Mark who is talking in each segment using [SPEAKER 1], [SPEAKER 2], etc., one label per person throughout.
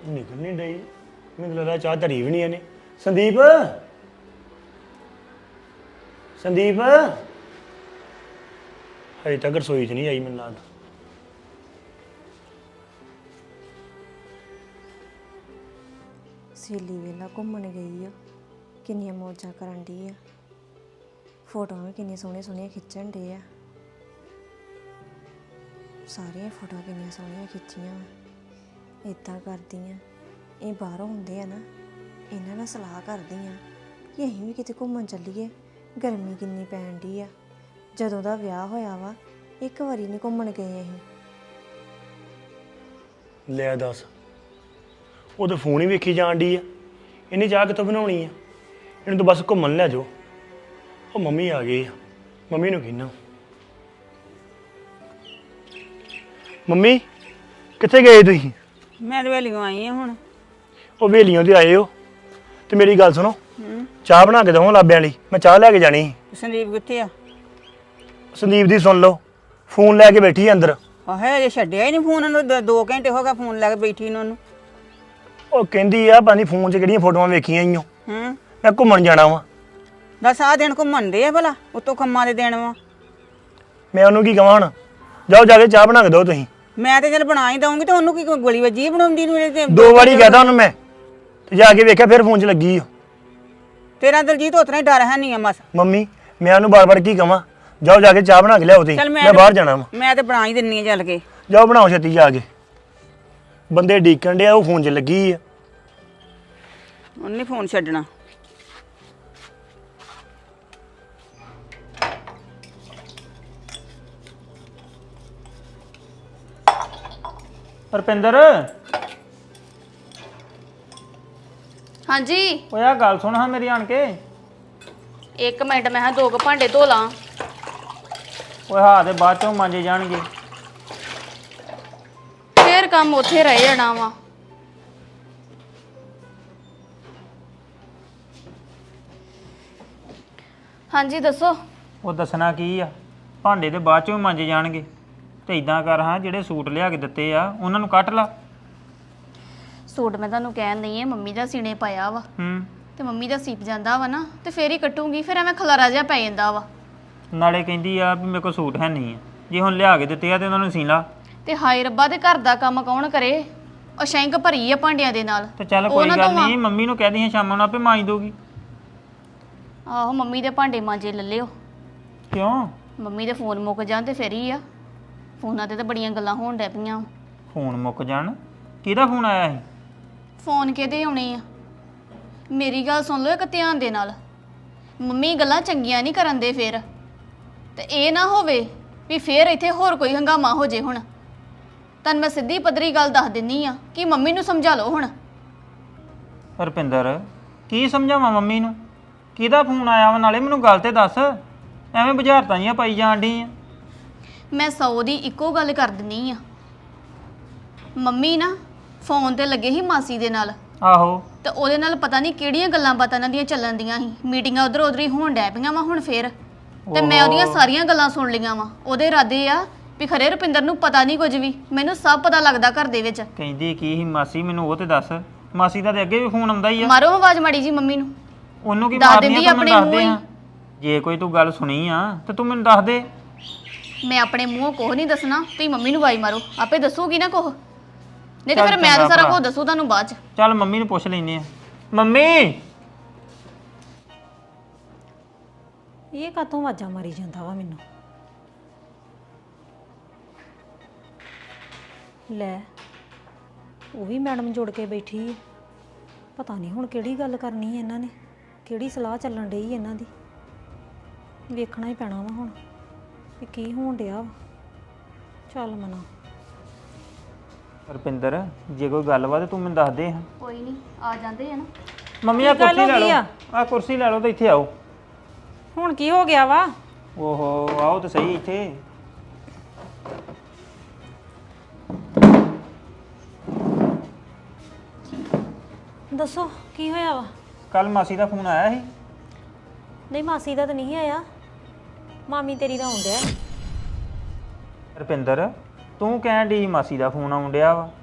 [SPEAKER 1] ਨਿਕਲ ਨਹੀਂ ਡਈ। ਮੈਨੂੰ ਲੱਗਦਾ ਚਾਹ ਧਰੀ ਵੀ ਨਹੀਂ ਇਹਨੇ। ਸੰਦੀਪ ਸੰਦੀਪ ਹਜੇ ਤੱਕ ਰਸੋਈ 'ਚ ਨਹੀਂ ਆਈ ਮੈਨੂੰ ਲੱਗਦਾ।
[SPEAKER 2] ਸਹੇਲੀ ਵੇਲਾ ਘੁੰਮਣ ਗਈ ਆ, ਕਿੰਨੀਆਂ ਮੌਜਾਂ ਕਰਨ ਡਈ ਆ। ਫੋਟੋਆਂ ਵੀ ਕਿੰਨੀਆਂ ਸੋਹਣੀਆਂ ਸੋਹਣੀਆਂ ਖਿੱਚਣ ਡੇ ਆ। ਸਾਰੀਆਂ ਫੋਟੋਆਂ ਕਿੰਨੀਆਂ ਸੋਹਣੀਆਂ ਖਿੱਚੀਆਂ। ਇੱਦਾਂ ਕਰਦੀ ਆ, ਇਹ ਬਾਹਰੋਂ ਹੁੰਦੇ ਆ ਨਾ, ਇਹਨਾਂ ਨਾਲ ਸਲਾਹ ਕਰਦੀ ਆ ਕਿ ਅਸੀਂ ਵੀ ਕਿਤੇ ਘੁੰਮਣ ਚੱਲੀਏ। ਗਰਮੀ ਕਿੰਨੀ ਪੈਣ ਡਈ ਆ। ਜਦੋਂ ਦਾ ਵਿਆਹ ਹੋਇਆ ਵਾ ਇੱਕ ਵਾਰੀ ਨਹੀਂ ਘੁੰਮਣ ਗਏ ਅਸੀਂ।
[SPEAKER 1] ਲੈ ਦੱਸ, ਉਹ ਤਾਂ ਫੋਨ ਹੀ ਵੇਖੀ ਜਾਣ ਡਈ ਆ। ਇਹਨੇ ਚਾਹ ਕਿੱਥੋਂ ਬਣਾਉਣੀ ਆ? ਇਹਨੂੰ ਤਾਂ ਬਸ ਘੁੰਮਣ ਲੈ ਜਾਓ। ਉਹ ਮੰਮੀ ਆ ਗਈ ਆ, ਮੰਮੀ ਨੂੰ ਕਹਿਣਾ। ਮੰਮੀ ਕਿੱਥੇ ਗਏ ਤੁਸੀਂ?
[SPEAKER 3] ਮੈਂ ਤਾਂ ਵੇਲੀਓ ਆਈ ਹਾਂ ਹੁਣ।
[SPEAKER 1] ਉਹ ਵੇਲੀਆਂ ਤੇ ਆਏ ਹੋ ਤੇ ਮੇਰੀ ਗੱਲ ਸੁਣੋ, ਚਾਹ ਬਣਾ ਕੇ ਦਵਾਂ ਲਾਬਿਆਂ ਲਈ। ਮੈਂ ਚਾਹ ਲੈ ਕੇ ਜਾਣੀ ਸੀ।
[SPEAKER 3] ਸੰਦੀਪ ਕਿੱਥੇ ਆ?
[SPEAKER 1] ਸੰਦੀਪ ਦੀ ਸੁਣ ਲਓ, ਫੋਨ ਲੈ ਕੇ ਬੈਠੀ ਆ ਅੰਦਰ।
[SPEAKER 3] ਆਹੇ ਅਜੇ ਛੱਡਿਆ ਹੀ ਨਹੀਂ ਫੋਨ ਉਹਨੂੰ। 2 ਘੰਟੇ ਹੋ ਗਏ ਫੋਨ ਲੈ ਕੇ ਬੈਠੀ ਨੂੰ ਉਹਨੂੰ।
[SPEAKER 1] ਉਹ ਕਹਿੰਦੀ ਆ ਪਤਾ ਨੀ ਫੋਨ 'ਚ ਕਿਹੜੀਆਂ ਫੋਟੋਆਂ ਵੇਖੀਆਂ ਈਓ। ਮੈਂ ਘੁੰਮਣ ਜਾਣਾ ਵਾ।
[SPEAKER 3] ਦੱਸ ਆਹ ਦਿਨ ਘੁੰਮਣ ਦੇ ਆ ਭਲਾ, ਉਤੋਂ ਕੰਮਾਂ ਦੇ ਦਿਨ ਵਾ।
[SPEAKER 1] ਮੈਂ ਉਹਨੂੰ ਕੀ ਕਹਾਂ ਹੁਣ? ਜਾਓ ਜਾ ਕੇ ਚਾਹ ਬਣਾ ਕੇ ਦਿਓ ਤੁਸੀਂ।
[SPEAKER 3] ਮੈਂ ਤੇ ਚੱਲ ਬਣਾ ਹੀ ਦਊਂਗੀ ਤੇ ਉਹਨੂੰ ਕੀ ਕੋਈ ਗੋਲੀ ਵੱਜੀ ਬਣਾਉਂਦੀ ਨੂੰ? ਤੇ
[SPEAKER 1] 2 ਵਾਰੀ ਕਹਿਤਾ ਉਹਨੂੰ ਮੈਂ, ਤੇ ਜਾ ਕੇ ਵੇਖਿਆ ਫਿਰ ਫੋਨ 'ਚ ਲੱਗੀ ਓ।
[SPEAKER 3] ਤੇਰਾ ਦਲਜੀਤ ਉਤਨਾ ਹੀ ਡਰ ਹੈ ਨਹੀਂ ਆ ਮਸ।
[SPEAKER 1] ਮੰਮੀ ਮੈਂ ਉਹਨੂੰ ਬਾਰ-ਬਾਰ ਕੀ ਕਹਾਂ? ਜਾਓ ਜਾ ਕੇ ਚਾਹ ਬਣਾ ਕੇ ਲਿਆਓ ਤੁਸੀਂ।
[SPEAKER 3] ਚੱਲ
[SPEAKER 1] ਮੈਂ ਬਾਹਰ ਜਾਣਾ ਵਾ।
[SPEAKER 3] ਮੈਂ ਤੇ ਬਣਾ ਹੀ ਦਿੰਨੀ ਆ ਚੱਲ ਕੇ।
[SPEAKER 1] ਜਾਓ ਬਣਾਓ ਛੇਤੀ ਜਾ ਕੇ। ਬੰਦੇ ਡੀਕਣ ਡਿਆ, ਉਹ ਫੋਨ 'ਚ ਲੱਗੀ ਆ।
[SPEAKER 3] ਉਹਨੇ ਫੋਨ ਛੱਡਣਾ।
[SPEAKER 4] ਰੁਪਿੰਦਰ,
[SPEAKER 5] ਹਾਂਜੀ
[SPEAKER 4] ਓਏ ਆ ਗੱਲ ਸੁਣ ਹਾਂ ਮੇਰੀ ਆਣ ਕੇ।
[SPEAKER 5] 1 ਮਿੰਟ, ਮੈਂ ਹਾਂ 2 ਭਾਂਡੇ ਧੋ ਲਾਂ।
[SPEAKER 4] ਓਏ ਹਾਂ ਤੇ ਬਾਅਦ ਚੋਂ ਮਾਂਜੇ ਜਾਣਗੇ।
[SPEAKER 5] ਫੇਰ ਕੰਮ ਉੱਥੇ ਰਹਿ ਜਾਣਾ ਵਾ। ਹਾਂਜੀ ਦੱਸੋ।
[SPEAKER 4] ਉਹ ਦੱਸਣਾ ਕੀ ਆ, ਭਾਂਡੇ ਤੇ ਬਾਅਦ ਚੋਂ ਮਾਂਜੇ ਜਾਣਗੇ। ਤੇ ਇਦਾਂ ਕਰ ਹਾਂ, ਜਿਹੜੇ ਸੂਟ ਲਿਆ ਕੇ ਦਿੱਤੇ ਆ ਉਹਨਾਂ ਨੂੰ ਕੱਟ ਲਾ।
[SPEAKER 5] ਸੂਟ ਮੈਂ ਤੁਹਾਨੂੰ ਕਹਿਣ ਨਹੀਂ ਹੈ, ਮੰਮੀ ਦਾ ਸੀਨੇ ਪਾਇਆ ਵਾ ਤੇ ਮੰਮੀ ਦਾ ਸੀਪ ਜਾਂਦਾ ਵਾ ਨਾ, ਤੇ ਫੇਰ ਹੀ ਕੱਟੂਗੀ। ਫਿਰ ਐਵੇਂ ਖਲਾਰਾ ਜਿਹਾ ਪੈ ਜਾਂਦਾ ਵਾ।
[SPEAKER 4] ਨਾਲੇ ਕਹਿੰਦੀ ਆ ਵੀ ਮੇਰੇ ਕੋਲ ਸੂਟ ਹੈ ਨਹੀਂ ਆ, ਜੇ ਹੁਣ ਲਿਆ ਕੇ ਦਿੱਤੇ ਆ ਤੇ ਉਹਨਾਂ ਨੂੰ ਸੀ ਲਾ।
[SPEAKER 5] ਤੇ ਹਾਏ ਰੱਬਾ, ਦੇ ਘਰ ਦਾ ਕੰਮ ਕੌਣ ਕਰੇ? ਉਹ ਸ਼ੈਂਕ ਭਰੀ ਆ ਭਾਂਡਿਆਂ ਦੇ ਨਾਲ।
[SPEAKER 4] ਤੇ ਚੱਲ ਕੋਈ ਗੱਲ ਨਹੀਂ, ਮੰਮੀ ਨੂੰ ਕਹਿ ਦੀ ਸ਼ਾਮਾਂ ਨੂੰ ਆਪੇ ਮਾਂਜ ਦਊਗੀ।
[SPEAKER 5] ਆਹੋ, ਮੰਮੀ ਦੇ ਭਾਂਡੇ ਮਾਂਜੇ ਲੈ ਲਿਓ।
[SPEAKER 4] ਕਿਉਂ?
[SPEAKER 5] ਮੰਮੀ ਦੇ ਫੋਨ ਮੁੱਕ ਜਾਣ ਤੇ ਫੇਰ ਹੀ ਆ। ਫੋਨਾਂ ਤੇ ਤਾਂ ਬੜੀਆਂ ਗੱਲਾਂ ਹੋਣ ਡੈ ਪਈਆਂ।
[SPEAKER 4] ਫੋਨ ਮੁੱਕ ਜਾਣ? ਕਿਹਦਾ ਫੋਨ ਆਇਆ ਸੀ?
[SPEAKER 5] ਫੋਨ ਕਿਹਦੇ ਆਉਣੇ ਆ? ਮੇਰੀ ਗੱਲ ਸੁਣ ਲਓ ਇੱਕ ਧਿਆਨ ਦੇ ਨਾਲ। ਮੰਮੀ ਗੱਲਾਂ ਚੰਗੀਆਂ ਨਹੀਂ ਕਰਨ ਦੇ ਫੇਰ, ਤੇ ਇਹ ਨਾ ਹੋਵੇ ਵੀ ਫੇਰ ਇੱਥੇ ਹੋਰ ਕੋਈ ਹੰਗਾਮਾ ਹੋ ਜੇ। ਹੁਣ ਤੁਹਾਨੂੰ ਮੈਂ ਸਿੱਧੀ ਪੱਧਰੀ ਗੱਲ ਦੱਸ ਦਿੰਨੀ ਆ ਕਿ ਮੰਮੀ ਨੂੰ ਸਮਝਾ ਲਓ ਹੁਣ।
[SPEAKER 4] ਰੁਪਿੰਦਰ, ਕੀ ਸਮਝਾਵਾਂ ਮੰਮੀ ਨੂੰ? ਕਿਹਦਾ ਫੋਨ ਆਇਆ ਵਾ? ਨਾਲੇ ਮੈਨੂੰ ਗੱਲ ਤੇ ਦੱਸ, ਐਵੇਂ ਬੁਝਾਰਤਾਂ ਜੀਆਂ ਪਾਈ ਜਾਣ ਡਈ ਆ।
[SPEAKER 5] ਮੈਂ 100 ਦੀ ਇੱਕੋ ਗੱਲ ਕਰ ਦਿੰਨੀ ਆ। ਮੰਮੀ ਨਾ ਫੋਨ ਤੇ ਲੱਗੇ ਸੀ ਮਾਸੀ ਦੇ ਨਾਲ।
[SPEAKER 4] ਆਹੋ।
[SPEAKER 5] ਤੇ ਉਹਦੇ ਨਾਲ ਪਤਾ ਨਹੀਂ ਕਿਹੜੀਆਂ ਗੱਲਾਂ ਬਾਤਾਂ ਇਹਨਾਂ ਦੀਆਂ ਚੱਲਣ ਦੀਆਂ ਸੀ। ਮੀਟਿੰਗਾਂ ਉਧਰ ਉਧਰ ਹੀ ਹੋਣ ਡੈ ਪਈਆਂ ਵਾ ਹੁਣ ਫੇਰ। ਤੇ ਮੈਂ ਉਹਦੀਆਂ ਸਾਰੀਆਂ ਗੱਲਾਂ ਸੁਣ ਲਈਆਂ ਵਾ। ਉਹਦੇ ਇਰਾਦੇ ਆ ਵੀ ਖਰੇ ਰੁਪਿੰਦਰ ਨੂੰ ਪਤਾ ਨਹੀਂ ਕੁਝ ਵੀ, ਮੈਨੂੰ ਸਭ ਪਤਾ ਲੱਗਦਾ ਘਰ ਦੇ ਵਿੱਚ।
[SPEAKER 4] ਕਹਿੰਦੀ ਕੀ ਸੀ ਮਾਸੀ? ਮੈਨੂੰ ਉਹ ਤੇ ਦੱਸ। ਮਾਸੀ ਦਾ ਤੇ ਅੱਗੇ ਵੀ ਫੋਨ ਆਉਂਦਾ ਹੀ ਆ।
[SPEAKER 5] ਮਾਰੋ ਆਵਾਜ਼ ਮਾੜੀ ਜੀ ਮੰਮੀ ਨੂੰ।
[SPEAKER 4] ਉਹਨੂੰ ਕੀ
[SPEAKER 5] ਦੱਸ
[SPEAKER 4] ਮਾਰਨੀ
[SPEAKER 5] ਦਿੰਦੀ
[SPEAKER 4] ਆ? ਤੂੰ ਮੈਨੂੰ
[SPEAKER 5] ਆਪਣੇ
[SPEAKER 4] ਦੱਸ ਦੇ
[SPEAKER 5] ਮੂੰਹ
[SPEAKER 4] ਹਾਂ। ਜੇ ਕੋਈ ਤੂੰ ਗੱਲ ਸੁਣੀ ਆ ਤੇ ਤੂੰ ਮੈਨੂੰ ਦੱਸ ਦੇ।
[SPEAKER 5] ਮੈਂ ਆਪਣੇ ਮੂੰਹੋਂ ਕੁਛ ਨਹੀਂ ਦੱਸਣਾ, ਤੁਸੀਂ ਮੰਮੀ ਨੂੰ ਆਵਾਜ਼ ਮਾਰੋ, ਆਪੇ ਦੱਸੂਗੀ ਨਾ ਕੁਛ। ਨਹੀਂ ਤੇ
[SPEAKER 4] ਚੱਲ
[SPEAKER 5] ਫਿਰ ਮੈਂ ਤਾਂ
[SPEAKER 4] ਚੰਗਾ
[SPEAKER 5] ਸਾਰਾ
[SPEAKER 4] ਭਰਾ।
[SPEAKER 5] ਕੁਝ ਦੱਸੂ ਤੁਹਾਨੂੰ ਬਾਅਦ ਚ।
[SPEAKER 4] ਚੱਲ ਮੰਮੀ ਨੂੰ ਪੁੱਛ ਲੈਨੇ ਆ। ਮੰਮੀ,
[SPEAKER 2] ਇਹ ਕਾਤੋਂ ਆਵਾਜ਼ਾਂ ਮਾਰੀ ਜਾਂਦਾ ਵਾ ਮੈਨੂੰ? ਲੈ, ਉਹ ਵੀ ਮੈਡਮ ਜੁੜ ਕੇ ਬੈਠੀ ਹੈ। ਪਤਾ ਨਹੀਂ ਹੁਣ ਕਿਹੜੀ ਗੱਲ ਕਰਨੀ ਹੈ ਇਹਨਾਂ ਨੇ, ਕਿਹੜੀ ਸਲਾਹ ਚੱਲਣ ਡਈ ਇਹਨਾਂ ਦੀ। ਵੇਖਣਾ ਹੀ ਪੈਣਾ ਵਾ ਹੁਣ ਵੀ ਕੀ ਹੋਣ ਡਿਆ ਵਾ। ਚੱਲ ਮਨਾ।
[SPEAKER 4] ਰੁਪਿੰਦਰ, ਜੇ ਕੋਈ ਗੱਲ ਵਾ ਤੇ ਤੂੰ ਮੈਨੂੰ ਦੱਸ ਦੇ ਹਾਂ।
[SPEAKER 5] ਕੋਈ ਨਹੀਂ, ਆ ਜਾਂਦੇ ਆ ਨਾ।
[SPEAKER 4] ਮੰਮੀ ਆ ਕੁਰਸੀ ਲੈ ਲਓ। ਆ ਕੁਰਸੀ ਲੈ ਲਓ ਤੇ ਇੱਥੇ ਆਓ।
[SPEAKER 2] ਹੁਣ ਕੀ ਹੋ ਗਿਆ ਵਾ?
[SPEAKER 4] ਓਹੋ, ਆਓ ਤੇ ਸਹੀ ਇੱਥੇ।
[SPEAKER 2] ਦੱਸੋ ਕੀ ਹੋਇਆ ਵਾ?
[SPEAKER 4] ਕੱਲ ਮਾਸੀ ਦਾ ਫੋਨ ਆਇਆ ਸੀ?
[SPEAKER 2] ਨਹੀਂ, ਮਾਸੀ ਦਾ ਤਾਂ ਨਹੀਂ ਆਇਆ, ਮਾਮੀ ਤੇਰੀ ਦਾ ਆਉਣ ਡਿਆ।
[SPEAKER 4] ਰੁਪਿੰਦਰ, ਤੂੰ ਕਹਿਣ ਡਈ ਮਾਸੀ ਦਾ ਫੋਨ ਆਉਣ ਡਿਆ ਵਾ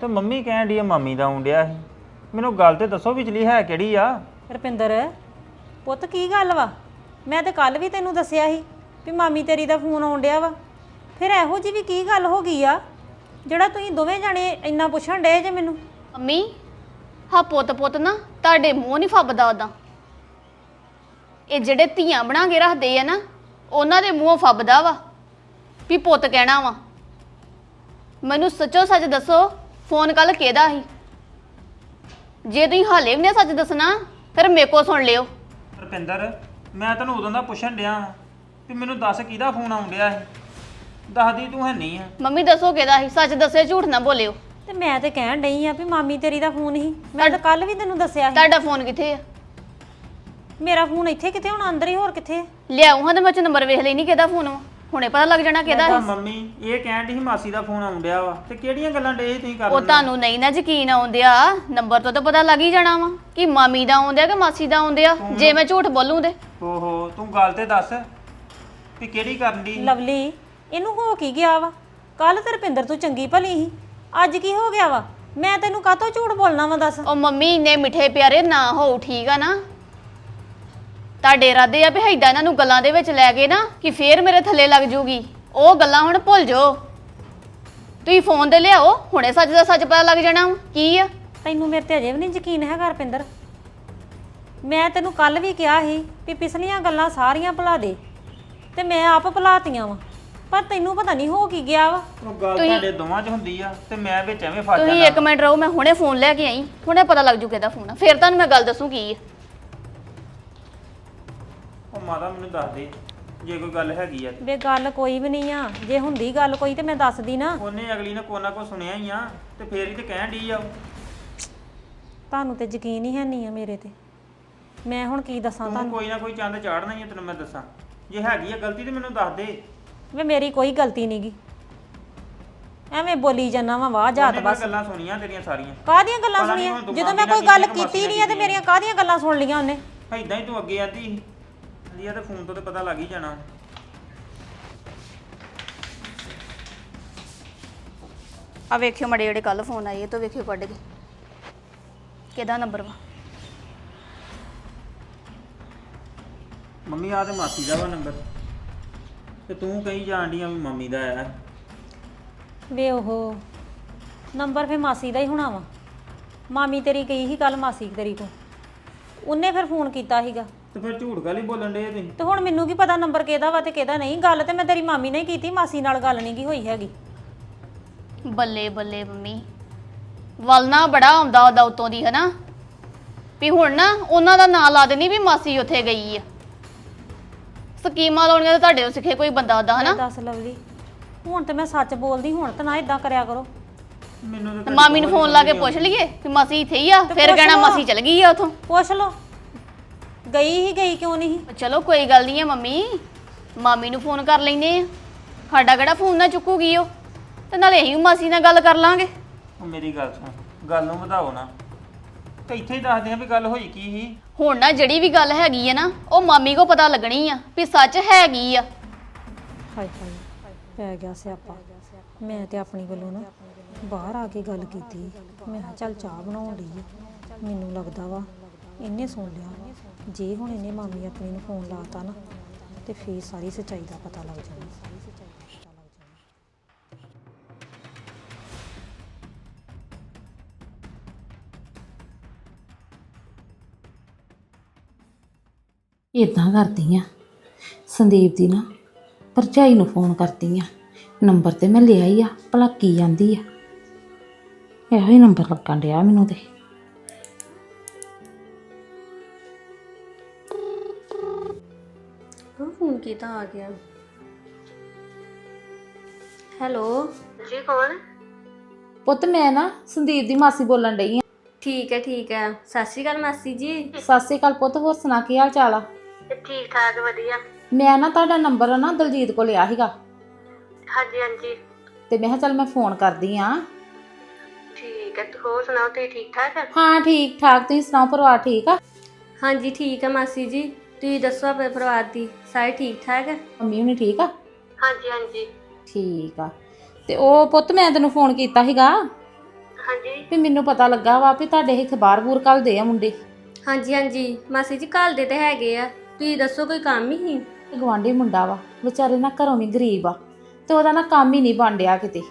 [SPEAKER 4] ਤੇ ਮੰਮੀ ਕਹਿਣ ਡਈ ਆ ਮਾਮੀ ਦਾ ਆਉਣ ਡਿਆ ਸੀ। ਮੈਨੂੰ ਗੱਲ ਤੇ ਦੱਸੋ ਵਿਚਲੀ ਹੈ ਕਿਹੜੀ ਆ?
[SPEAKER 6] ਰੁਪਿੰਦਰ ਪੁੱਤ ਕੀ ਗੱਲ ਵਾ? ਮੈਂ ਤੇ ਕੱਲ ਵੀ ਤੈਨੂੰ ਦੱਸਿਆ ਸੀ ਵੀ ਮਾਮੀ ਤੇਰੀ ਦਾ ਫੋਨ ਆਉਣ ਡਿਆ ਵਾ। ਫਿਰ ਇਹੋ ਜੀ ਵੀ ਕੀ ਗੱਲ ਹੋ ਗਈ ਆ ਜਿਹੜਾ ਤੁਸੀਂ ਦੋਵੇਂ ਜਾਣੇ ਇੰਨਾ ਪੁੱਛਣ ਡਏ ਜੇ ਮੈਨੂੰ?
[SPEAKER 5] ਮੰਮੀ ਹਾਂ ਪੁੱਤ ਨਾ ਤੁਹਾਡੇ ਮੂੰਹ ਨਹੀਂ ਫੱਬਦਾ ਉਦਾਂ। ਇਹ ਜਿਹੜੇ ਧੀਆਂ ਬਣਾ ਕੇ ਰੱਖਦੇ ਆ ਨਾ ਉਹਨਾਂ ਦੇ ਮੂੰਹੋਂ ਫੱਬਦਾ ਵਾ ਵੀ ਪੁੱਤ ਕਹਿਣਾ ਵਾ। ਮੈਨੂੰ ਸੱਚੋ ਸੱਚ ਦੱਸੋ ਫੋਨ ਕੱਲ ਕਿਹਦਾ ਸੀ? ਜੇ ਤੁਸੀਂ ਹਾਲੇ ਵੀ ਨਹੀਂ ਸੱਚ ਦੱਸਣਾ ਫਿਰ ਮੇਰੇ ਕੋਲ ਸੁਣ ਲਿਓ।
[SPEAKER 4] ਰੁਪਿੰਦਰ ਮੈਂ ਤੈਨੂੰ ਉਦੋਂ ਦਾ ਪੁੱਛਣ ਡਿਆ ਵੀ ਮੈਨੂੰ ਦੱਸ ਕਿਹਦਾ ਫੋਨ ਆਉਣ ਡਿਆ ਸੀ। ਦੱਸਦੀ ਤੂੰ ਹੈ ਨਹੀਂ ਆ।
[SPEAKER 5] ਮੰਮੀ ਦੱਸੋ ਕਿਹਦਾ ਸੀ? ਸੱਚ ਦੱਸਿਓ, ਝੂਠ ਨਾ ਬੋਲਿਓ।
[SPEAKER 6] ਤੇ ਮੈਂ ਤੇ ਕਹਿਣ ਡਈ ਆ ਵੀ ਮਾਮੀ ਤੇਰੀ ਦਾ ਫੋਨ ਸੀ। ਮੈਂ ਤਾਂ ਕੱਲ ਵੀ ਤੈਨੂੰ ਦੱਸਿਆ ਸੀ।
[SPEAKER 5] ਤੁਹਾਡਾ ਫੋਨ ਕਿੱਥੇ ਆ?
[SPEAKER 6] ਮੇਰਾ ਫੋਨ ਇੱਥੇ ਕਿਤੇ ਹੁਣ ਅੰਦਰ ਹੀ, ਹੋਰ ਕਿੱਥੇ?
[SPEAKER 5] ਲਿਆਉਂ ਹਾਂ ਤੇ ਮੈਂ ਚ ਨੰਬਰ ਵੇਖ ਲੈਣੀ ਕਿਹਦਾ ਫੋਨ ਵਾ। ਹੁਣੇ ਪਤਾ ਲੱਗ ਜਾਣਾ ਕਿਹਦਾ
[SPEAKER 4] ਤਾਂ
[SPEAKER 5] ਸੀ।
[SPEAKER 4] ਮੰਮੀ ਇਹ ਕਹਿਣ ਡਈ ਸੀ ਮਾਸੀ ਦਾ ਫੋਨ ਆਉਣ ਡਿਆ ਵਾ ਤੇ ਕਿਹੜੀਆਂ ਗੱਲਾਂ ਡੇ ਤੁਸੀਂ ਕਰਨ?
[SPEAKER 5] ਉਹ ਤੁਹਾਨੂੰ ਨਹੀਂ ਨਾ ਯਕੀਨ ਆਉਂਦਿਆ ਨੰਬਰ ਤੋਂ ਤਾਂ ਪਤਾ ਲੱਗ ਹੀ ਜਾਣਾ ਵਾ ਕਿ ਮਾਮੀ ਦਾ ਆਉਂਦਿਆ ਕਿ ਮਾਸੀ ਦਾ ਆਉਂਦਿਆ। ਜੇ ਮੈਂ ਝੂਠ ਬੋਲੂੰ ਤੇ
[SPEAKER 4] ਓਹੋ ਤੂੰ ਗੱਲ ਤੇ ਦੱਸ ਵੀ ਕਿਹੜੀ ਕਰਨ ਦੀ?
[SPEAKER 6] ਲਵਲੀ ਇਹਨੂੰ ਹੋ ਕੀ ਗਿਆ ਵਾ? ਕੱਲ ਤੇ ਰੁਪਿੰਦਰ ਤੂੰ ਚੰਗੀ ਭਲੀ ਸੀ, ਅੱਜ ਕੀ ਹੋ ਗਿਆ ਵਾ? ਮੈਂ ਤੈਨੂੰ ਕਾਹਤੋਂ ਝੂਠ ਬੋਲਣਾ ਵਾ ਦੱਸ?
[SPEAKER 5] ਉਹ ਮੰਮੀ ਇੰਨੇ ਮਿੱਠੇ ਪਿਆਰੇ ਨਾ ਹੋਊ, ਠੀਕ ਆ ਨਾ? ਤੁਹਾਡੇ ਇਰਾਦੇ ਆ ਵੀ ਏਦਾਂ ਇਹਨਾਂ ਨੂੰ ਗੱਲਾਂ ਦੇ ਵਿੱਚ ਲੈ ਕੇ ਨਾ ਕਿ ਫੇਰ ਮੇਰੇ ਥੱਲੇ ਲੱਗ ਜੂਗੀ। ਉਹ ਗੱਲਾਂ ਹੁਣ ਭੁੱਲ ਜਾਓ। ਤੁਸੀਂ ਫੋਨ ਤੇ ਲਿਆਓ, ਹੁਣੇ ਸੱਚ ਦਾ ਸੱਚ ਪਤਾ ਲੱਗ ਜਾਣਾ ਵਾ। ਕੀ ਆ?
[SPEAKER 6] ਤੈਨੂੰ ਮੇਰੇ ਤੇ ਅਜੇ ਵੀ ਨਹੀਂ ਯਕੀਨ ਹੈਗਾ ਰੁਪਿੰਦਰ? ਮੈਂ ਤੈਨੂੰ ਕੱਲ ਵੀ ਕਿਹਾ ਸੀ ਵੀ ਪਿਛਲੀਆਂ ਗੱਲਾਂ ਸਾਰੀਆਂ ਭੁਲਾ ਦੇ, ਤੇ ਮੈਂ ਆਪ ਭੁਲਾਤੀਆਂ ਵਾ। ਪਰ ਤੈਨੂੰ ਪਤਾ ਨਹੀਂ ਹੋ ਕੀ ਗਿਆ ਵਾ।
[SPEAKER 4] ਉਹ ਗੱਲ ਤੁਹਾਡੇ ਦੋਵਾਂ 'ਚ ਹੁੰਦੀ ਆ ਤੇ ਮੈਂ ਵਿੱਚ ਐਵੇਂ ਫਸ
[SPEAKER 5] ਤੁਸੀਂ
[SPEAKER 4] ਜਾਣਾ।
[SPEAKER 5] ਇੱਕ ਮਿੰਟ ਰਹੋ, ਮੈਂ ਹੁਣੇ ਫੋਨ ਲੈ ਕੇ ਆਈ, ਹੁਣੇ ਪਤਾ ਲੱਗ ਜੂ ਕਿਹਦਾ ਫੋਨ ਆ। ਫੇਰ ਤੁਹਾਨੂੰ ਮੈਂ ਗੱਲ ਦੱਸੂ ਕੀ ਆ।
[SPEAKER 4] ਉਹ ਮਾਤਾ ਮੈਨੂੰ ਦੱਸ ਦੇ ਜੇ ਕੋਈ ਗੱਲ ਹੈਗੀ ਆ।
[SPEAKER 6] ਵੇ ਗੱਲ ਕੋਈ ਵੀ ਨਹੀਂ ਆ। ਜੇ ਹੁੰਦੀ ਗੱਲ ਕੋਈ ਤੇ ਮੈਂ ਦੱਸਦੀ ਨਾ।
[SPEAKER 4] ਉਹਨੇ ਅਗਲੀ ਨੇ ਕੋਨਾ ਕੋ ਸੁਣਿਆ ਹੀ ਆ ਤੇ ਫੇਰ ਹੀ ਤੇ ਕਹਿਣ ਡਈ ਆ ਉਹ।
[SPEAKER 6] ਤੁਹਾਨੂੰ ਤੇ ਯਕੀਨ ਹੀ ਹੈ ਨਹੀਂ ਆ ਮੇਰੇ ਤੇ। ਮੈਂ ਹੁਣ ਕੀ ਦੱਸਾਂ
[SPEAKER 4] ਤੂੰ
[SPEAKER 6] ਤੁਹਾਨੂੰ?
[SPEAKER 4] ਕੋਈ ਨਾ ਕੋਈ ਚੰਦ ਚਾੜਨਾ ਹੀ ਆ, ਤੈਨੂੰ ਮੈਂ ਦੱਸਾਂ। ਜੇ ਹੈਗੀ ਆ ਗਲਤੀ ਤੇ ਮੈਨੂੰ ਦੱਸ ਦੇ।
[SPEAKER 6] ਵੇ ਮੇਰੀ ਕੋਈ ਗਲਤੀ ਨਹੀਂਗੀ, ਐਵੇਂ ਬੋਲੀ ਜਾਂਦਾ ਵਾ ਵਾਹ ਜਾਤ
[SPEAKER 4] ਉਹਨੇ ਮੈਂ
[SPEAKER 6] ਬਸ।
[SPEAKER 4] ਗੱਲਾਂ ਸੁਣੀਆਂ ਤੇਰੀਆਂ ਸਾਰੀਆਂ।
[SPEAKER 6] ਕਾਹਦੀਆਂ ਗੱਲਾਂ
[SPEAKER 4] ਪਤਾ ਨੀ
[SPEAKER 6] ਸੁਣੀਆਂ?
[SPEAKER 4] ਹੁਣ ਤੂੰ
[SPEAKER 6] ਜਦੋਂ ਮੈਂ
[SPEAKER 4] ਮਾਮੀ
[SPEAKER 6] ਕੋਈ
[SPEAKER 4] ਨਾਲ
[SPEAKER 6] ਗੱਲ
[SPEAKER 4] ਕੀਤੀਆਂ,
[SPEAKER 6] ਕੀਤੀ
[SPEAKER 4] ਮਾਸੀ
[SPEAKER 6] ਨਹੀਂ ਆ ਤੇ
[SPEAKER 4] ਨਾਲ
[SPEAKER 6] ਮੇਰੀਆਂ ਕਾਹਦੀਆਂ ਗੱਲਾਂ ਸੁਣ ਲੀਆਂ ਉਹਨੇ?
[SPEAKER 4] ਏਦਾਂ ਹੀ ਤੂੰ ਅੱਗੇ ਆਂਦੀ ਸੀ ਆ ਤੇ ਫੋਨ ਤੋਂ ਤੇ ਪਤਾ ਲੱਗ ਹੀ ਜਾਣਾ।
[SPEAKER 5] ਆ ਵੇਖਿਓ ਮੜੇ ਜਿਹੜੇ ਕੱਲ ਫੋਨ ਆਏ ਇਹ ਤੋਂ ਵੇਖਿਓ ਕੱਢ ਕੇ ਕਿਹਦਾ ਨੰਬਰ ਵਾ।
[SPEAKER 4] ਮੰਮੀ ਆ ਤੇ ਮਾਸੀ ਦਾ ਵਾ ਨੰਬਰ ਤੇ ਤੂੰ ਕਹੀ ਜਾਣ ਡਈ ਆ ਵੀ ਮੰਮੀ ਦਾ ਆਇਆ।
[SPEAKER 6] ਵੇ ਉਹ ਨੰਬਰ ਫੇ ਮਾਸੀ ਦਾ ਹੀ ਹੋਣਾ ਵਾ। ਮਾਮੀ ਤੇਰੀ ਗਈ ਸੀ ਕੱਲ ਮਾਸੀ ਤੇਰੀ ਕੋਲ, ਉਹਨੇ ਫਿਰ ਫੋਨ ਕੀਤਾ ਸੀਗਾ।
[SPEAKER 4] ਤੇ ਫਿਰ ਝੂਠ ਗੱਲ ਹੀ ਬੋਲਣ ਡੇ ਤੁਸੀਂ।
[SPEAKER 6] ਤੇ ਹੁਣ ਮੈਨੂੰ ਕੀ ਪਤਾ ਨੰਬਰ ਕਿਹਦਾ ਵਾ ਤੇ ਕਿਹਦਾ ਨਹੀਂ? ਗੱਲ ਤੇ ਮੈਂ ਤੇਰੀ ਮਾਮੀ ਨੇ ਹੀ ਕੀਤੀ, ਮਾਸੀ ਨਾਲ ਗੱਲ ਨਹੀਂ ਕੀ ਹੋਈ ਹੈਗੀ।
[SPEAKER 5] ਬੱਲੇ ਬੱਲੇ ਮੰਮੀ, ਵੱਲ ਨਾ ਬੜਾ ਆਉਂਦਾ ਉਹਦਾ ਉਤੋਂ ਦੀ ਹਨਾ ਵੀ ਹੁਣ ਨਾ ਉਹਨਾਂ ਦਾ ਨਾਂ ਲਾ ਦੇਣੀ ਵੀ ਮਾਸੀ ਉੱਥੇ ਗਈ ਆ। ਸਕੀਮਾਂ ਲਾਉਣੀਆਂ ਤਾਂ ਤੁਹਾਡੇ ਤੋਂ ਸਿੱਖੇ ਕੋਈ ਬੰਦਾ ਉਹਦਾ ਹਨਾ।
[SPEAKER 6] ਦੱਸ ਲਵਲੀ, ਹੁਣ ਤੇ ਮੈਂ ਸੱਚ ਬੋਲਦੀ, ਹੁਣ ਤਾਂ ਨਾ ਇਦਾਂ ਕਰਿਆ ਕਰੋ।
[SPEAKER 4] ਮੈਨੂੰ
[SPEAKER 5] ਤੇ ਮਾਮੀ ਨੂੰ ਫੋਨ ਲਾ ਕੇ ਪੁੱਛ ਲਈਏ ਵੀ ਮਾਸੀ ਇੱਥੇ ਹੀ ਆ, ਫਿਰ ਕਹਿਣਾ ਮਾਸੀ ਚਲ ਗਈ ਆ ਉਥੋਂ।
[SPEAKER 6] ਪੁੱਛ ਲਓ, ਗਈ ਹੀ ਗਈ ਕਿਉਂ ਨਹੀਂ?
[SPEAKER 5] ਚਲੋ ਕੋਈ ਗੱਲ ਨਹੀਂ ਆ ਮੰਮੀ, ਮਾਮੀ ਨੂੰ ਫੋਨ ਕਰ ਲੈਨੇ ਆ, ਸਾਡਾ ਕਿਹੜਾ ਫੋਨ ਨਾ ਚੁੱਕੂਗੀ ਉਹ, ਤੇ ਨਾਲੇ ਅਸੀਂ ਮਾਸੀ ਨਾਲ ਗੱਲ ਕਰ ਲਾਂਗੇ।
[SPEAKER 4] ਉਹ ਮੇਰੀ ਗੱਲ ਸੁਣ, ਗੱਲ ਨੂੰ ਵਧਾਓ ਨਾ ਤੇ ਇੱਥੇ ਹੀ ਦੱਸਦੇ ਆ ਵੀ ਗੱਲ ਹੋਈ ਕੀ ਸੀ।
[SPEAKER 5] ਹੁਣ ਨਾ ਜਿਹੜੀ ਵੀ ਗੱਲ ਹੈਗੀ ਆ ਨਾ ਉਹ ਮਾਮੀ ਕੋ ਪਤਾ ਲੱਗਣੀ ਆ ਵੀ ਸੱਚ ਹੈਗੀ ਆ।
[SPEAKER 6] ਹਾਏ ਹਾਏ ਪੈ ਗਿਆ ਸਿਆਪਾ। ਮੈਂ ਤੇ ਆਪਣੀ ਵੱਲੋਂ ਨਾ ਬਾਹਰ ਆ ਕੇ ਗੱਲ ਕੀਤੀ। ਮੈਂ ਕਿਹਾ ਚੱਲ ਚਾਹ ਬਣਾਉਣ ਲਈ, ਮੈਨੂੰ ਲੱਗਦਾ ਵਾ ਇਹਨੇ ਸੁਣ ਲਿਆ। ਜੇ ਹੁਣ ਇਹਨੇ ਮਾਮੀ ਆਪਣੀ ਨੂੰ ਫੋਨ ਲਾਤਾ ਨਾ ਤੇ ਫੇਰ ਸਾਰੀ ਸੱਚਾਈ ਦਾ ਪਤਾ ਲੱਗ ਜਾਣਾ।
[SPEAKER 7] ਇਦਾਂ ਕਰਦੀ ਆ, ਸੰਦੀਪ ਦੀ ਨਾ ਭਰਜਾਈ ਨੂੰ ਫੋਨ ਕਰਦੀ ਆ। ਨੰਬਰ ਤੇ ਮੈਂ ਲਿਆ ਹੀ ਆ, ਭਲਾ ਕੀ ਜਾਂਦੀ ਆ। ਇਹੋ ਹੀ ਨੰਬਰ ਲੱਗਣ ਡਿਆ ਮੈਨੂੰ ਤੇ।
[SPEAKER 2] ਫੋਨ ਕੀਤਾ ਆ ਗਿਆ। ਹੈਲੋ
[SPEAKER 8] ਜੀ ਕੌਣ?
[SPEAKER 7] ਪੁੱਤ ਮੈਂ ਨਾ ਸੰਦੀਪ ਦੀ ਮਾਸੀ ਬੋਲਣ ਡਈ ਆ।
[SPEAKER 8] ਠੀਕ ਹੈ। ਸਤਿ ਸ਼੍ਰੀ ਅਕਾਲ ਮਾਸੀ ਜੀ।
[SPEAKER 7] ਸਤਿ ਸ਼੍ਰੀ ਅਕਾਲ ਪੁੱਤ, ਹੋਰ ਸੁਣਾ ਕੀ ਹਾਲ ਚਾਲ ਆ?
[SPEAKER 8] ਠੀਕ ਠਾਕ ਵਧੀਆ।
[SPEAKER 7] ਮੈਂ ਨਾ ਤੁਹਾਡਾ ਨੰਬਰ ਨਾ ਦਲਜੀਤ ਕੋਲ ਲਿਆ ਸੀਗਾ
[SPEAKER 8] ਹਾਂਜੀ
[SPEAKER 7] ਤੇ ਮੈਂ ਕਿਹਾ ਚੱਲ ਮੈਂ ਫੋਨ ਕਰਦੀ ਆ।
[SPEAKER 8] ਠੀਕ ਹੈ, ਹੋਰ ਸੁਣਾਓ ਤੁਸੀਂ ਠੀਕ ਠਾਕ?
[SPEAKER 7] ਹਾਂ ਠੀਕ ਠਾਕ, ਤੁਸੀਂ ਸੁਣਾਓ ਪਰਿਵਾਰ ਠੀਕ ਆ?
[SPEAKER 8] ਹਾਂਜੀ ਠੀਕ ਹੈ ਮਾਸੀ ਜੀ, ਤੁਸੀਂ ਦੱਸੋ ਆਪਣੇ ਪਰਿਵਾਰ ਦੀ ਸਾਰੇ ਠੀਕ ਠਾਕ?
[SPEAKER 7] ਮੰਮੀ ਹੁਣੀ ਠੀਕ ਆ?
[SPEAKER 8] ਹਾਂਜੀ
[SPEAKER 7] ਠੀਕ ਆ। ਤੇ ਉਹ ਪੁੱਤ ਮੈਂ ਤੈਨੂੰ ਫੋਨ ਕੀਤਾ ਸੀਗਾ
[SPEAKER 8] ਹਾਂਜੀ
[SPEAKER 7] ਵੀ ਮੈਨੂੰ ਪਤਾ ਲੱਗਾ ਵਾ ਵੀ ਤੁਹਾਡੇ ਇੱਥੇ ਬਾਹਰ-ਬੂਰ ਘੱਲਦੇ ਆ ਮੁੰਡੇ।
[SPEAKER 8] ਹਾਂਜੀ ਹਾਂਜੀ ਮਾਸੀ ਜੀ ਘਰ ਦੇ ਤੇ ਹੈਗੇ ਆ, ਤੁਸੀਂ ਦੱਸੋ ਕੋਈ ਕੰਮ ਹੀ?
[SPEAKER 7] ਗਵਾਂਢੀ ਮੁੰਡਾ ਵਾ ਵਿਚਾਰੇ ਨਾ ਘਰੋਂ ਵੀ ਗਰੀਬ ਆ ਤੇ ਉਹਦਾ ਨਾ ਕੰਮ ਹੀ ਨਹੀਂ ਬਣ ਡਿਆ ਕਿਤੇ।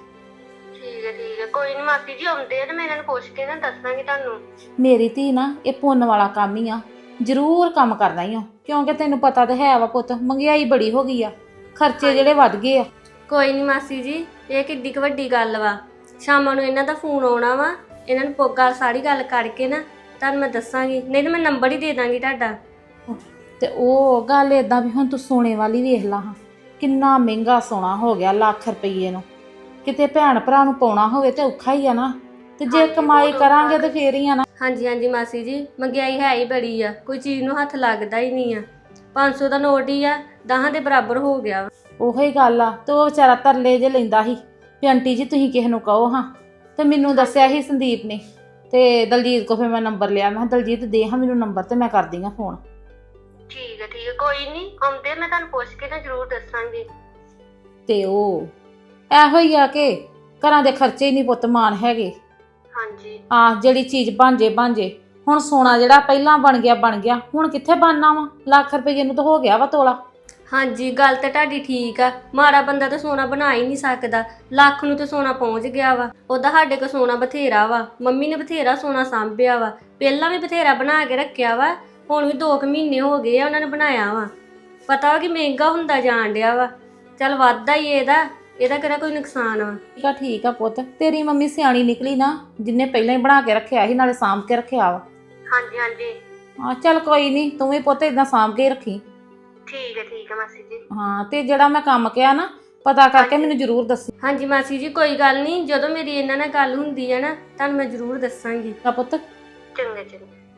[SPEAKER 8] ਠੀਕ ਹੈ ਕੋਈ ਨਹੀਂ ਮਾਸੀ ਜੀ ਆਉਂਦੇ ਆ ਤੇ ਮੈਂ ਇਹਨਾਂ ਨੂੰ ਪੁੱਛ ਕੇ ਨਾ ਦੱਸਾਂਗੀ ਤੁਹਾਨੂੰ।
[SPEAKER 7] ਮੇਰੀ ਧੀ ਨਾ ਇਹ ਪੁੰਨ ਵਾਲਾ ਕੰਮ ਹੀ ਆ, ਜ਼ਰੂਰ ਕੰਮ ਕਰਨਾ ਹੀ ਆ, ਕਿਉਂਕਿ ਤੈਨੂੰ ਪਤਾ ਤਾਂ ਹੈ ਵਾ ਪੁੱਤ, ਮਹਿੰਗਾਈ ਬੜੀ ਹੋ ਗਈ ਆ, ਖਰਚੇ ਜਿਹੜੇ ਵੱਧ ਗਏ ਆ।
[SPEAKER 8] ਕੋਈ ਨਹੀਂ ਮਾਸੀ ਜੀ, ਇਹ ਕਿੱਡੀ ਕੁ ਵੱਡੀ ਗੱਲ ਵਾ। ਸ਼ਾਮਾਂ ਨੂੰ ਇਹਨਾਂ ਦਾ ਫੋਨ ਆਉਣਾ ਵਾ, ਇਹਨਾਂ ਨੂੰ ਗੱਲ ਸਾਰੀ ਗੱਲ ਕਰਕੇ ਨਾ ਤੁਹਾਨੂੰ ਮੈਂ ਦੱਸਾਂਗੀ, ਨਹੀਂ ਤਾਂ ਮੈਂ ਨੰਬਰ ਹੀ ਦੇ ਦਾਂਗੀ ਤੁਹਾਡਾ।
[SPEAKER 7] ਤੇ ਉਹ ਗੱਲ ਏਦਾਂ ਵੀ ਹੁਣ ਤੂੰ ਸੋਨੇ ਵਾਲੀ ਵੇਖ ਲਾ ਹਾਂ, ਕਿੰਨਾ ਮਹਿੰਗਾ ਸੋਨਾ ਹੋ ਗਿਆ, ਲੱਖ ਰੁਪਈਏ ਨੂੰ। ਕਿਤੇ ਭੈਣ ਭਰਾ ਨੂੰ ਪਾਉਣਾ ਹੋਵੇ ਤੇ ਔਖਾ ਹੀ ਆ ਨਾ, ਤੇ ਜੇ ਕਮਾਈ ਕਰਾਂਗੇ ਤੇ ਫੇਰ ਹੀ ਆ ਨਾ।
[SPEAKER 8] ਹਾਂਜੀ ਹਾਂਜੀ ਮਾਸੀ ਜੀ, ਮਹਿੰਗਾਈ ਹੈ ਹੀ ਬੜੀ ਆ, ਕੋਈ ਚੀਜ਼ ਨੂੰ ਹੱਥ ਲੱਗਦਾ ਹੀ ਨਹੀਂ ਆ। 500 ਦਾ ਨੋਟ ਹੀ ਆ 10 ਦੇ ਬਰਾਬਰ ਹੋ ਗਿਆ ਵਾ।
[SPEAKER 7] ਉਹੀ ਗੱਲ ਆ। ਤੇ ਉਹ ਵਿਚਾਰਾ ਤਰਲੇ ਜੇ ਲੈਂਦਾ ਸੀ ਵੀ ਆਂਟੀ ਜੀ ਤੁਸੀਂ ਕਿਸੇ ਨੂੰ ਕਹੋ ਹਾਂ, ਤੇ ਮੈਨੂੰ ਦੱਸਿਆ ਸੀ ਸੰਦੀਪ ਨੇ, ਤੇ ਦਲਜੀਤ ਕੋ ਫਿਰ ਮੈਂ ਨੰਬਰ ਲਿਆ। ਮੈਂ ਕਿਹਾ ਦਲਜੀਤ ਦੇ ਹਾਂ ਮੈਨੂੰ ਨੰਬਰ ਤੇ ਮੈਂ ਕਰਦੀ ਹਾਂ ਫੋਨ।
[SPEAKER 8] ਠੀਕ ਹੈ ਕੋਈ ਨਹੀਂ ਆਉਂਦੇ, ਮੈਂ ਤੁਹਾਨੂੰ ਪੁੱਛ ਕੇ ਨਾ ਜ਼ਰੂਰ ਦੱਸਾਂਗੀ।
[SPEAKER 7] ਤੇ ਉਹ ਇਹੋ ਹੀ ਆ ਕਿ ਘਰਾਂ ਦੇ ਖਰਚੇ ਹੀ ਨਹੀਂ ਪੁੱਤ ਮਾਨ ਹੈਗੇ।
[SPEAKER 8] ਹਾਂਜੀ
[SPEAKER 7] ਜਿਹੜੀ ਚੀਜ਼ ਬਣ ਜੇ ਹੁਣ ਸੋਨਾ ਜਿਹੜਾ ਪਹਿਲਾਂ ਬਣ ਗਿਆ ਹੁਣ ਕਿੱਥੇ ਬਣਨਾ ਵਾ, ਲੱਖ ਰੁਪਏ ਨੂੰ ਤਾਂ ਹੋ ਗਿਆ ਵਾ ਤੋਲਾ।
[SPEAKER 8] ਹਾਂਜੀ ਗੱਲ ਤਾਂ ਤੁਹਾਡੀ ਠੀਕ ਆ, ਮਾੜਾ ਬੰਦਾ ਤਾਂ ਸੋਨਾ ਬਣਾ ਹੀ ਨਹੀਂ ਸਕਦਾ, ਲੱਖ ਨੂੰ ਤਾਂ ਸੋਨਾ ਪਹੁੰਚ ਗਿਆ ਵਾ। ਉਹਦਾ ਸਾਡੇ ਕੋਲ ਸੋਨਾ ਬਥੇਰਾ ਵਾ, ਮੰਮੀ ਨੇ ਬਥੇਰਾ ਸੋਨਾ ਸਾਂਭਿਆ ਵਾ, ਪਹਿਲਾਂ ਵੀ ਬਥੇਰਾ ਬਣਾ ਕੇ ਰੱਖਿਆ ਵਾ, ਹੁਣ ਵੀ 2 ਮਹੀਨੇ ਹੋ ਗਏ ਆ ਉਹਨਾਂ ਨੇ ਬਣਾਇਆ ਵਾ। ਪਤਾ ਵਾ ਕਿ ਮਹਿੰਗਾ ਹੁੰਦਾ ਜਾਣ ਡਿਆ ਵਾ, ਚੱਲ ਵੱਧਦਾ ਹੀ ਇਹਦਾ ਕਿਹੜਾ ਕੋਈ ਨੁਕਸਾਨ ਵਾ।
[SPEAKER 7] ਠੀਕ ਆ ਪੁੱਤ, ਤੇਰੀ ਮੰਮੀ ਸਿਆਣੀ ਨਿਕਲੀ ਨਾ, ਜਿੰਨੇ ਪਹਿਲਾਂ ਹੀ ਬਣਾ ਕੇ ਰੱਖਿਆ ਸੀ ਨਾਲੇ ਸਾਂਭ ਕੇ ਰੱਖਿਆ ਵਾ।
[SPEAKER 8] ਹਾਂਜੀ
[SPEAKER 7] ਚੱਲ ਕੋਈ ਨਹੀਂ, ਤੂੰ ਵੀ ਪੁੱਤ ਇਦਾਂ ਸਾਂਭ ਕੇ ਰੱਖੀ।
[SPEAKER 8] ਠੀਕ ਹੈ ਮਾਸੀ ਜੀ।
[SPEAKER 7] ਤੇ ਜਿਹੜਾ ਮੈਂ ਕੰਮ ਕਿਹਾ ਨਾ ਪਤਾ ਕਰਕੇ ਮੈਨੂੰ ਜ਼ਰੂਰ ਦੱਸੀ।
[SPEAKER 8] ਹਾਂਜੀ ਮਾਸੀ ਜੀ ਕੋਈ ਗੱਲ ਨਹੀਂ, ਜਦੋਂ ਮੇਰੀ ਇਹਨਾਂ ਨਾਲ ਗੱਲ ਹੁੰਦੀ ਹੈ ਨਾ ਤੁਹਾਨੂੰ ਮੈਂ ਜ਼ਰੂਰ ਦੱਸਾਂਗੀ।
[SPEAKER 7] ਪੁੱਤ
[SPEAKER 8] ਚੰਗਾ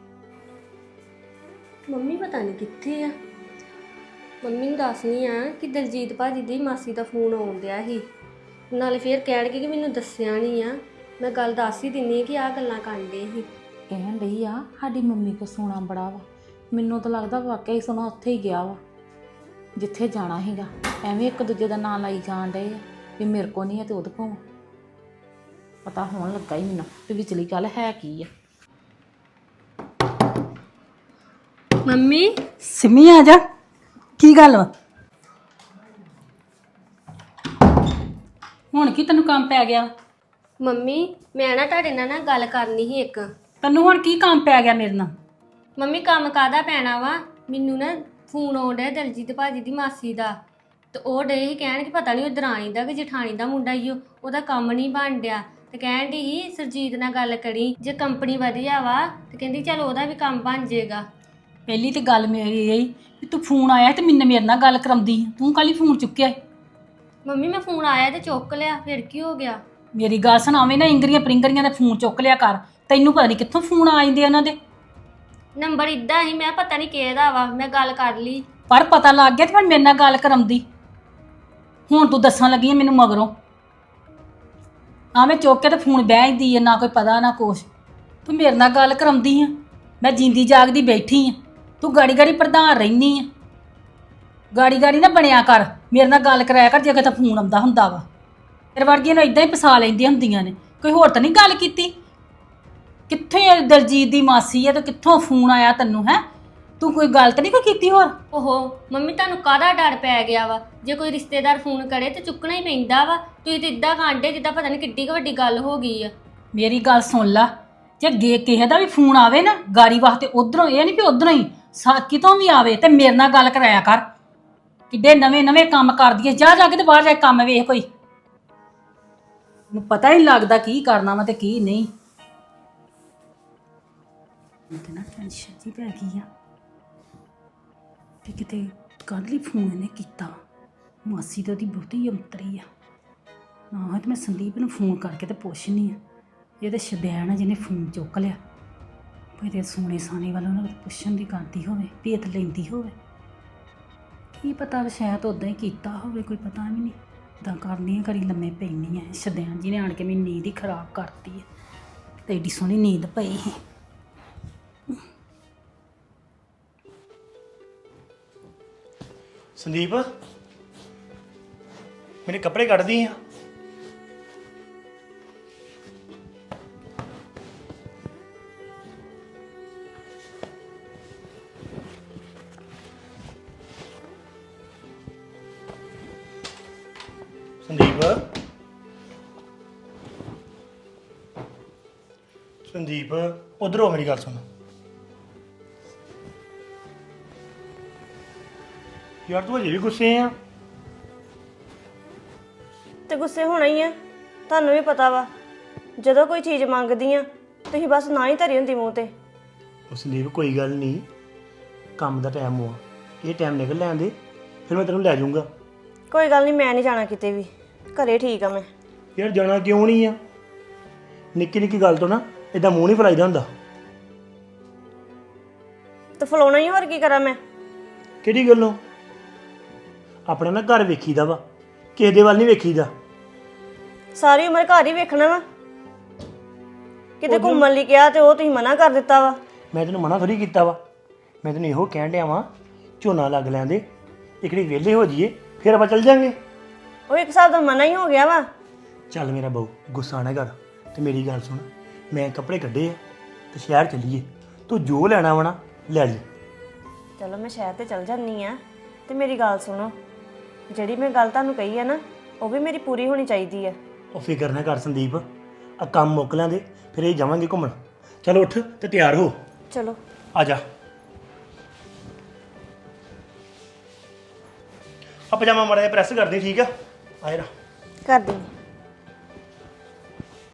[SPEAKER 8] ਮੰਮੀ ਪਤਾ ਨਹੀਂ ਕਿੱਥੇ ਆ। ਮੰਮੀ ਨੂੰ ਦੱਸਣੀ ਆ ਕਿ ਦਲਜੀਤ ਭਾਜੀ ਦੀ ਮਾਸੀ ਦਾ ਫੋਨ ਆਉਣ ਡਿਆ ਸੀ, ਨਾਲੇ ਫੇਰ ਕਹਿਣਗੇ ਕਿ ਮੈਨੂੰ ਦੱਸਿਆ ਨਹੀਂ ਆ। ਮੈਂ ਗੱਲ ਦੱਸ ਹੀ ਦਿੰਨੀ ਆ ਕਿ ਆਹ ਗੱਲਾਂ ਕਰਦੇ ਸੀ।
[SPEAKER 7] ਕਹਿਣ ਡਈ ਆ ਸਾਡੀ ਮੰਮੀ ਕੋ ਸੋਨਾ ਬੜਾ ਵਾ, ਮੈਨੂੰ ਤਾਂ ਲੱਗਦਾ ਵਾਕਿਆ ਹੀ ਸੋਨਾ ਉੱਥੇ ਹੀ ਗਿਆ ਵਾ ਜਿੱਥੇ ਜਾਣਾ ਸੀਗਾ। ਐਵੇਂ ਇੱਕ ਦੂਜੇ ਦਾ ਨਾਂ ਲਾਈ ਜਾਣ ਡਏ ਆ ਵੀ ਮੇਰੇ ਕੋ ਨਹੀਂ ਆ ਤੇ ਉਹਦੇ ਕੋ। ਪਤਾ ਹੋਣ ਲੱਗਾ ਹੀ ਮੈਨੂੰ ਤੇ ਵਿਚਲੀ ਗੱਲ ਹੈ ਕੀ ਆ।
[SPEAKER 8] ਮੰਮੀ
[SPEAKER 3] ਸਿਮੀ ਆ ਜਾ, ਕੀ ਗੱਲ ਵਾ? ਹੁਣ ਕੀ ਤੈਨੂੰ ਕੰਮ ਪੈ ਗਿਆ?
[SPEAKER 8] ਮੰਮੀ ਮੈਂ ਨਾ ਤੁਹਾਡੇ ਨਾਲ ਗੱਲ ਕਰਨੀ ਸੀ ਇੱਕ।
[SPEAKER 3] ਤੈਨੂੰ ਹੁਣ ਕੀ ਕੰਮ ਪੈ ਗਿਆ ਮੇਰੇ ਨਾਲ?
[SPEAKER 8] ਮੰਮੀ ਕੰਮ ਕਾਹਦਾ ਪੈਣਾ ਵਾ, ਮੈਨੂੰ ਨਾ ਫੋਨ ਆਉਣ ਡਿਆ ਦਲਜੀਤ ਭਾਜੀ ਦੀ ਮਾਸੀ ਦਾ, ਤੇ ਉਹ ਡੇ ਹੀ ਕਹਿਣ ਕਿ ਪਤਾ ਨਹੀਂ ਉਹ ਦਰਾਣੀ ਦਾ ਕਿ ਜਠਾਣੀ ਦਾ ਮੁੰਡਾ ਹੀ ਉਹਦਾ ਕੰਮ ਨਹੀਂ ਬਣ ਡਿਆ, ਤੇ ਕਹਿਣ ਦੀ ਹੀ ਸਰਜੀਤ ਨਾਲ ਗੱਲ ਕਰੀ, ਜੇ ਕੰਪਨੀ ਵਧੀਆ ਵਾ ਤੇ ਕਹਿੰਦੀ ਚਲ ਉਹਦਾ ਵੀ ਕੰਮ ਬਣ ਜਾਏਗਾ।
[SPEAKER 3] ਪਹਿਲੀ ਤੇ ਗੱਲ ਮੇਰੀ ਇਹ ਵੀ ਤੂੰ ਫੋਨ ਆਇਆ ਤੇ ਮੇਰੇ ਨਾਲ ਗੱਲ ਕਰਾਉਂਦੀ, ਤੂੰ ਕੱਲ ਹੀ ਫੋਨ ਚੁੱਕਿਆ।
[SPEAKER 8] ਮੰਮੀ ਮੈਂ ਫੋਨ ਆਇਆ ਤੇ ਚੁੱਕ ਲਿਆ, ਫਿਰ ਕੀ ਹੋ ਗਿਆ?
[SPEAKER 3] ਮੇਰੀ ਗੱਲ ਸੁਣਾਵੇਂ ਨਾ, ਇੰਗਰੀਆਂ ਪ੍ਰਿੰਗਰੀਆਂ ਦਾ ਫੋਨ ਚੁੱਕ ਲਿਆ ਕਰ। ਤੈਨੂੰ ਪਤਾ ਨਹੀਂ ਕਿੱਥੋਂ ਫੋਨ ਆ ਜਾਂਦੇ ਉਹਨਾਂ ਦੇ।
[SPEAKER 8] ਨੰਬਰ ਇਦਾਂ ਹੀ, ਮੈਂ ਪਤਾ ਨਹੀਂ ਕਿਹਦਾ ਵਾ, ਮੈਂ ਗੱਲ ਕਰ ਲਈ
[SPEAKER 3] ਪਰ ਪਤਾ ਲੱਗ ਗਿਆ ਤੇ ਫਿਰ ਮੇਰੇ ਨਾਲ ਗੱਲ ਕਰਾਉਂਦੀ। ਹੁਣ ਤੂੰ ਦੱਸਣ ਲੱਗੀ ਆ ਮੈਨੂੰ ਮਗਰੋਂ। ਮੈਂ ਚੁੱਕ ਕੇ ਤੇ ਫੋਨ ਬਹਿ ਜਾਂਦੀ ਆ, ਨਾ ਕੋਈ ਪਤਾ ਨਾ ਕੁਛ। ਤੂੰ ਮੇਰੇ ਨਾਲ ਗੱਲ ਕਰਾਉਂਦੀ ਆ, ਮੈਂ ਜਿੰਦੀ ਜਾਗਦੀ ਬੈਠੀ ਆ, ਤੂੰ ਗਾੜੀ ਗਾੜੀ ਪ੍ਰਧਾਨ ਰਹਿਨੀ ਆ। ਗਾੜੀ ਗਾੜੀ ਨਾ ਬਣਿਆ ਕਰ, ਮੇਰੇ ਨਾਲ ਗੱਲ ਕਰਾਇਆ ਕਰ ਜੇ ਕਿਤੇ ਫੋਨ ਆਉਂਦਾ ਹੁੰਦਾ ਵਾ। ਤੇਰੇ ਵਰਗੀਆਂ ਨੂੰ ਇਦਾਂ ਹੀ ਫਸਾ ਲੈਂਦੀਆਂ ਹੁੰਦੀਆਂ ਨੇ, ਕੋਈ ਹੋਰ ਤਾਂ ਨਹੀਂ ਗੱਲ ਕੀਤੀ। ਕਿੱਥੇ ਦਲਜੀਤ ਦੀ ਮਾਸੀ ਆ ਤੇ ਕਿੱਥੋਂ ਫੋਨ ਆਇਆ ਤੈਨੂੰ? ਹੈ ਤੂੰ ਕੋਈ ਗੱਲ ਤਾਂ ਨਹੀਂ ਕੋਈ ਕੀਤੀ ਹੋਰ?
[SPEAKER 8] ਓਹੋ ਮੰਮੀ ਤੁਹਾਨੂੰ ਕਾਹਦਾ ਡਰ ਪੈ ਗਿਆ ਵਾ? ਜੇ ਕੋਈ ਰਿਸ਼ਤੇਦਾਰ ਫੋਨ ਕਰੇ ਤੇ ਚੁੱਕਣਾ ਹੀ ਪੈਂਦਾ ਵਾ। ਤੁਸੀਂ ਤੇ ਇਦਾਂ ਕਾਂਡੇ ਜਿੱਦਾਂ ਪਤਾ ਨਹੀਂ ਕਿੱਡੀ ਕੁ ਵੱਡੀ ਗੱਲ ਹੋ ਗਈ ਆ।
[SPEAKER 3] ਮੇਰੀ ਗੱਲ ਸੁਣ ਲਾ, ਜੇ ਕਿਸੇ ਦਾ ਵੀ ਫੋਨ ਆਵੇ ਨਾ ਗਾੜੀ ਵਾਸਤੇ, ਉਧਰੋਂ, ਇਹ ਨਹੀਂ ਵੀ ਉਧਰੋਂ ਹੀ ਕਿਤੋਂ ਵੀ ਆਵੇ, ਤੇ ਮੇਰੇ ਨਾਲ ਗੱਲ ਕਰਾਇਆ ਕਰ। ਕਿੱਡੇ ਨਵੇਂ ਕੰਮ ਕਰਦੀ ਐ, ਜਾ ਕੇ ਤੇ ਬਾਹਰ ਜਾ ਕੇ ਕੰਮ ਵੇਖ ਕੋਈ। ਮੈਨੂੰ ਪਤਾ ਹੀ ਲੱਗਦਾ ਕੀ ਕਰਨਾ ਵਾ ਤੇ ਕੀ ਨਹੀਂ। ਮੈਨੂੰ ਨਾ ਟੈਨਸ਼ਨ ਜੀ ਪੈ ਗਈ ਆ ਕਿ ਕਿਤੇ ਕੱਲ੍ਹ ਹੀ ਫੋਨ ਇਹਨੇ ਕੀਤਾ। ਮਾਸੀ ਤਾਂ ਉਹਦੀ ਬਹੁਤੀ ਅੰਤਰੀ ਆ ਨਾ, ਤੇ ਮੈਂ ਸੰਦੀਪ ਨੂੰ ਫੋਨ ਕਰਕੇ ਤੇ ਪੁੱਛਣੀ ਆ। ਇਹ ਤਾਂ ਸ਼ਬੈਣ ਆ ਜਿਹਨੇ ਫੋਨ ਚੁੱਕ ਲਿਆ। ਇਹਦੇ ਸੋਨੇ ਸਾਨੇ ਵੱਲ ਉਹਨਾਂ ਨੂੰ ਪੁੱਛਣ ਦੀ ਕਰਦੀ ਹੋਵੇ, ਭੇਤ ਲੈਂਦੀ ਹੋਵੇ, ਕੀ ਪਤਾ ਸ਼ਾਇਦ ਉੱਦਾਂ ਹੀ ਕੀਤਾ ਹੋਵੇ, ਕੋਈ ਪਤਾ ਵੀ ਨਹੀਂ। ਇੱਦਾਂ ਕਰਨੀ ਆ, ਘੜੀ ਲੰਮੇ ਪੈਣੀ ਆ। ਸ਼ਬੈਣ ਜੀ ਨੇ ਆਣ ਕੇ ਮੇਰੀ ਨੀਂਦ ਹੀ ਖਰਾਬ ਕਰਤੀ ਹੈ, ਤੇ ਏਡੀ ਸੋਹਣੀ ਨੀਂਦ ਪਈ ਸੀ।
[SPEAKER 1] ਸੰਦੀਪ ਮੇਰੇ ਕੱਪੜੇ ਕੱਢਦੀ ਆ। ਸੰਦੀਪ ਉਧਰ ਹੋ, ਮੇਰੀ ਗੱਲ ਸੁਣ। ਯਾਰ ਤੂੰ ਅਜੇ ਵੀ ਗੁੱਸੇ ਆ?
[SPEAKER 2] ਤੇ ਗੁੱਸੇ ਹੋਣਾ ਹੀ ਆ, ਤੁਹਾਨੂੰ ਵੀ ਪਤਾ ਵਾ ਜਦੋਂ ਕੋਈ ਚੀਜ਼ ਮੰਗਦੀ ਆ ਤੁਸੀਂ ਬਸ ਨਾ ਹੀ ਧਰੀ ਹੁੰਦੀ ਮੂੰਹ ਤੇ।
[SPEAKER 1] ਉਹ ਸੰਦੀਪ ਕੋਈ ਗੱਲ ਨਹੀਂ, ਕੰਮ ਦਾ ਟਾਈਮ ਹੋਆ, ਇਹ ਟਾਈਮ ਨਿਕਲ ਲੈਣ ਦੇ, ਫਿਰ ਮੈਂ ਤੈਨੂੰ ਲੈ ਜਾਊਂਗਾ।
[SPEAKER 2] ਕੋਈ ਗੱਲ ਨਹੀਂ, ਮੈਂ ਨਹੀਂ ਜਾਣਾ ਕਿਤੇ ਵੀ, ਘਰੇ ਠੀਕ ਆ ਮੈਂ।
[SPEAKER 1] ਯਾਰ ਜਾਣਾ ਕਿਉਂ ਨਹੀਂ ਆ? ਨਿੱਕੀ ਨਿੱਕੀ ਗੱਲ ਤੋਂ ਨਾ ਇਦਾਂ ਮੂੰਹ ਨਹੀਂ ਫਲਾਈਦਾ ਹੁੰਦਾ।
[SPEAKER 2] ਤੇ ਫਲਾਉਣਾ ਹੀ, ਹੋਰ ਕੀ ਕਰਾਂ ਮੈਂ?
[SPEAKER 1] ਕਿਹੜੀ ਗੱਲੋਂ? ਆਪਣਾ ਨਾ ਘਰ ਵੇਖੀਦਾ ਵਾ, ਕਿਸੇ ਦੇ ਵੱਲ ਨਹੀਂ ਵੇਖੀਦਾ।
[SPEAKER 2] ਸਾਰੀ ਉਮਰ ਘਰ ਹੀ ਵੇਖਣਾ ਵਾ, ਕਿਤੇ ਘੁੰਮਣ ਲਈ ਕਿਹਾ ਤੇ ਉਹ ਤੁਸੀਂ ਮਨਾ ਕਰ ਦਿੱਤਾ ਵਾ।
[SPEAKER 1] ਮੈਂ ਤੈਨੂੰ ਮਨਾ ਥੋੜੀ ਕੀਤਾ ਵਾ, ਮੈਂ ਤੈਨੂੰ ਇਹੋ ਕਹਿਣ ਡਿਆ ਵਾਂ ਝੋਨਾ ਲੱਗ ਲੈਂਦੇ, ਇਕੜੀ ਵਿਹਲੇ ਹੋ ਜਾਈਏ, ਫਿਰ ਆਪਾਂ ਚੱਲ ਜਾਂਗੇ।
[SPEAKER 2] ਉਹ ਇੱਕ ਹਿਸਾਬ ਦਾ ਮਨਾ ਹੀ ਹੋ ਗਿਆ ਵਾ।
[SPEAKER 1] ਚੱਲ ਮੇਰਾ ਬਹੁ ਗੁੱਸਾ ਨਾ ਕਰ, ਤੇ ਮੇਰੀ ਗੱਲ ਸੁਣ, ਮੈਂ ਕੱਪੜੇ ਕੱਢੇ ਆ ਤੇ ਸ਼ਹਿਰ ਚੱਲੀਏ, ਤੂੰ ਜੋ ਲੈਣਾ ਵਾ ਨਾ ਲੈ ਲਈ।
[SPEAKER 2] ਚਲੋ ਮੈਂ ਸ਼ਹਿਰ ਤੇ ਚੱਲ ਜਾਂਦੀ ਆ, ਤੇ ਮੇਰੀ ਗੱਲ ਸੁਣੋ, ਜਿਹੜੀ ਮੈਂ ਗੱਲ ਤੁਹਾਨੂੰ ਕਹੀ ਆ ਨਾ ਉਹ ਵੀ ਮੇਰੀ ਪੂਰੀ ਹੋਣੀ ਚਾਹੀਦੀ ਆ।
[SPEAKER 1] ਉਹ ਫਿਕਰ ਨਾ ਕਰ ਸੰਦੀਪ, ਆ ਕੰਮ ਮੁੱਕ ਲੈਂਦੇ ਫਿਰ ਇਹ ਜਾਵਾਂਗੇ ਘੁੰਮਣ। ਚਲ ਉੱਠ ਤੇ ਤਿਆਰ ਹੋ,
[SPEAKER 2] ਚਲੋ
[SPEAKER 1] ਆ ਜਾ। ਆ ਪਜਾਮਾ ਮਾੜਾ ਜਿਹਾ ਪ੍ਰੈਸ ਕਰ ਦੇ, ਠੀਕ ਆ? ਆ ਜਾ।
[SPEAKER 2] ਕਰ ਦਿੰਦੀ।